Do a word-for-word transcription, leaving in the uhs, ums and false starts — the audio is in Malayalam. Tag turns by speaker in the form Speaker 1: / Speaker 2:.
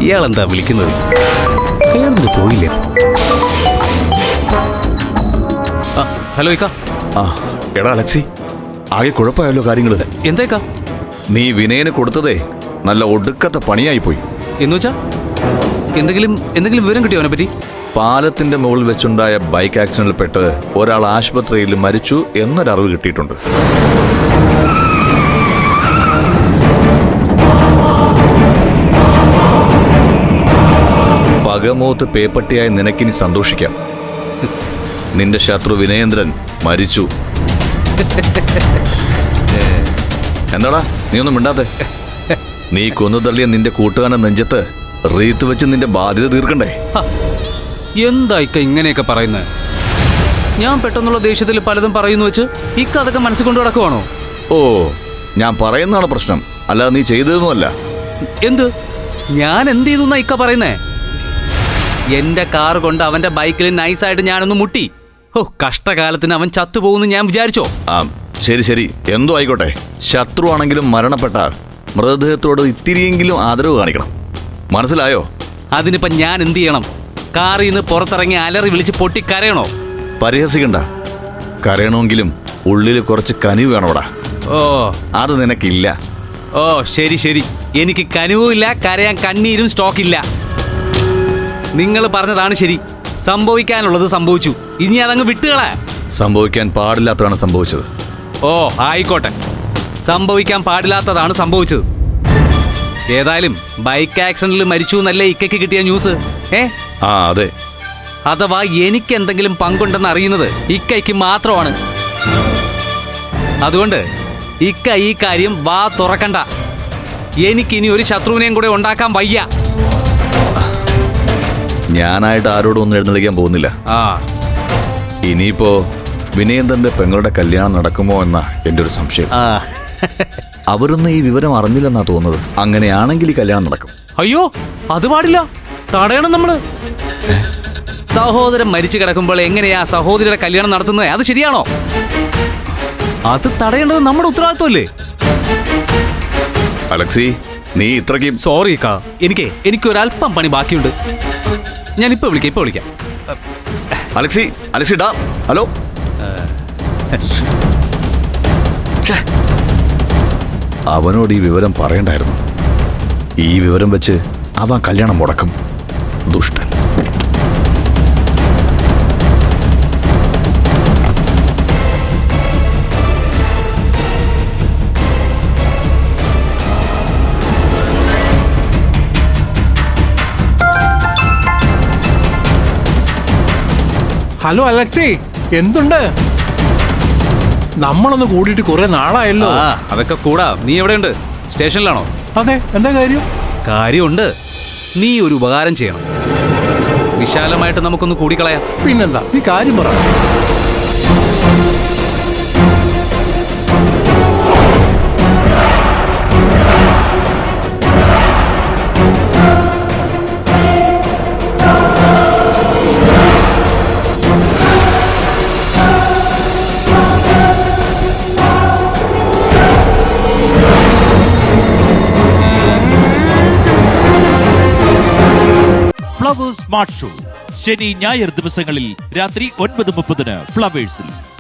Speaker 1: ഇയാളെന്താ വിളിക്കുന്നത്? അയാളെന്ത് പോയില്ലേ? ഹലോ ഇക്ക.
Speaker 2: ആ എടാ അലക്സി, ആകെ കുഴപ്പമായല്ലോ കാര്യങ്ങള്.
Speaker 1: എന്തേക്കാ?
Speaker 2: നീ വിനയന് കൊടുത്തതേ നല്ല ഒടുക്കത്തെ പണിയായി പോയി.
Speaker 1: എന്ന് വെച്ചാ എന്തെങ്കിലും എന്തെങ്കിലും വിവരം കിട്ടിയോ അവനെ പറ്റി?
Speaker 2: പാലത്തിന്റെ മുകളിൽ വെച്ചുണ്ടായ ബൈക്ക് ആക്സിഡന്റിൽ പെട്ട് ഒരാൾ ആശുപത്രിയിൽ മരിച്ചു എന്നൊരറിവ് കിട്ടിയിട്ടുണ്ട്. പകമൂത്ത് പേപ്പട്ടിയായി നിനക്കിനി സന്തോഷിക്കാം. നിന്റെ ശത്രു വിനയേന്ദ്രൻ മരിച്ചു. എന്താടാ നീ ഒന്നും മിണ്ടാത്തെ? നീ കൊന്നു തള്ളിയ നിന്റെ കൂട്ടുകാരന്റെ നെഞ്ചത്ത് റീത്ത് വെച്ച് നിന്റെ ബാധ്യത തീർക്കണ്ടേ?
Speaker 1: എന്താ ഇക്ക ഇങ്ങനെയൊക്കെ പറയുന്നത്? ഞാൻ പെട്ടെന്നുള്ള ദേഷ്യത്തിൽ പലതും പറയുന്നു വെച്ച് ഇക്ക അതൊക്കെ മനസ്സിൽ കൊണ്ടു നടക്കുവാണോ?
Speaker 2: ഓ, ഞാൻ പറയുന്നതാണ് പ്രശ്നം, അല്ലാതെ നീ ചെയ്തതൊന്നുമല്ല.
Speaker 1: എന്ത്? ഞാൻ എന്ത് ചെയ്തു എന്നാ ഇക്ക പറയുന്നേ? എന്റെ കാർ കൊണ്ട് അവന്റെ ബൈക്കിൽ നൈസായിട്ട് ഞാനൊന്ന് മുട്ടി. ഓ, കഷ്ടകാലത്തിന് അവൻ ചത്തുപോകുന്നു ഞാൻ വിചാരിച്ചോ?
Speaker 2: ആ ശരി ശരി, എന്തോ ആയിക്കോട്ടെ. ശത്രു ആണെങ്കിലും മരണപ്പെട്ടാൽ മൃതദേഹത്തോട് ഇത്തിരിയെങ്കിലും ആദരവ് കാണിക്കണം, മനസ്സിലായോ?
Speaker 1: അതിനിപ്പം ഞാൻ എന്ത് ചെയ്യണം? കാറിൽ നിന്ന് പുറത്തിറങ്ങി അലറി വിളിച്ച് പൊട്ടി കരയണോ?
Speaker 2: പരിഹസിക്കണ്ട. കരയണമെങ്കിലും ഉള്ളിൽ കുറച്ച് കനിവ് വേണോടാ.
Speaker 1: ഓ,
Speaker 2: അത് നിനക്കില്ല.
Speaker 1: ഓ ശരി ശരി, എനിക്ക് കനിവും ഇല്ല, കരയാൻ കണ്ണീരും സ്റ്റോക്കില്ല. നിങ്ങൾ പറഞ്ഞതാണ് ശരി. സംഭവിക്കാനുള്ളത് സംഭവിച്ചു, ഇനി അതങ്ങ് വിട്ടുകളാ.
Speaker 2: സംഭവിക്കാൻ പാടില്ലാത്തതാണ് സംഭവിച്ചത്.
Speaker 1: ഓ ആയിക്കോട്ടെ, സംഭവിക്കാൻ പാടില്ലാത്തതാണ് സംഭവിച്ചത്. ഏതായാലും ബൈക്ക് ആക്സിഡന്റിൽ മരിച്ചു എന്നല്ലേ ഇക്കയ്ക്ക് കിട്ടിയ ന്യൂസ്? ഏ
Speaker 2: ആ അതെ.
Speaker 1: അഥവാ എനിക്ക് എന്തെങ്കിലും പങ്കുണ്ടെന്ന് അറിയുന്നത് ഇക്കയ്ക്ക് മാത്രമാണ്. അതുകൊണ്ട് ഇക്ക ഈ കാര്യം വാ തുറക്കണ്ട. എനിക്കിനി ഒരു ശത്രുവിനെയും കൂടെ ഉണ്ടാക്കാൻ വയ്യ.
Speaker 2: ഞാനായിട്ട് ആരോടും ഒന്നും എഴുന്നള്ളിക്കാൻ പോകുന്നില്ല.
Speaker 1: ആ
Speaker 2: ഇനിയിപ്പോ വിനയേന്ദ്രന്റെ പെങ്ങളുടെ കല്യാണം നടക്കുമോ എന്നാ എന്റെ ഒരു സംശയം. അവരൊന്നും ഈ വിവരം അറിഞ്ഞില്ലെന്നാ തോന്നുന്നത്. അങ്ങനെയാണെങ്കിൽ ഈ കല്യാണം നടക്കും.
Speaker 1: അയ്യോ, അത് പാടില്ല, തടയണം നമ്മള്. സഹോദരൻ മരിച്ചു കിടക്കുമ്പോൾ എങ്ങനെയാ സഹോദരിയുടെ കല്യാണം നടത്തുന്നത്? അത് ശരിയാണോ? അത് തടയേണ്ടത് നമ്മുടെ ഉത്തരവാദിത്വമല്ലേ?
Speaker 2: അലക്സി, നീ ഇത്രയ്ക്ക്
Speaker 1: സോറി കാ, എനിക്ക് എനിക്കൊരല്പം പണി ബാക്കിയുണ്ട്. ഞാൻ ഇപ്പൊ വിളിക്കാം ഇപ്പൊ വിളിക്കാം
Speaker 2: അലക്സി അലക്സി ഡാ, ഹലോ. അവനോട് ഈ വിവരം പറയണ്ടായിരുന്നു. ഈ വിവരം വെച്ച് അവൻ കല്യാണം മുടക്കും. ദുഷ്ടൻ.
Speaker 3: ഹലോ അലക്സി, എന്തുണ്ട്? നമ്മളൊന്ന് കൂടിയിട്ട് കുറെ നാളായല്ലോ.
Speaker 1: അതൊക്കെ കൂടാ. നീ എവിടെയുണ്ട്? സ്റ്റേഷനിലാണോ?
Speaker 3: അതെ, എന്താ കാര്യം?
Speaker 1: കാര്യമുണ്ട്. നീ ഒരു ഉപകാരം ചെയ്യണം. വിശാലമായിട്ട് നമുക്കൊന്ന് കൂടിക്കളയാം.
Speaker 3: പിന്നെന്താ, നീ കാര്യം പറ.
Speaker 4: ഫ്ലവേഴ്സ് സ്മാർട്ട് ഷോ ശനി ഞായർ ദിവസങ്ങളിൽ രാത്രി ഒൻപത് മുപ്പതിന് ഫ്ലവേഴ്സിൽ.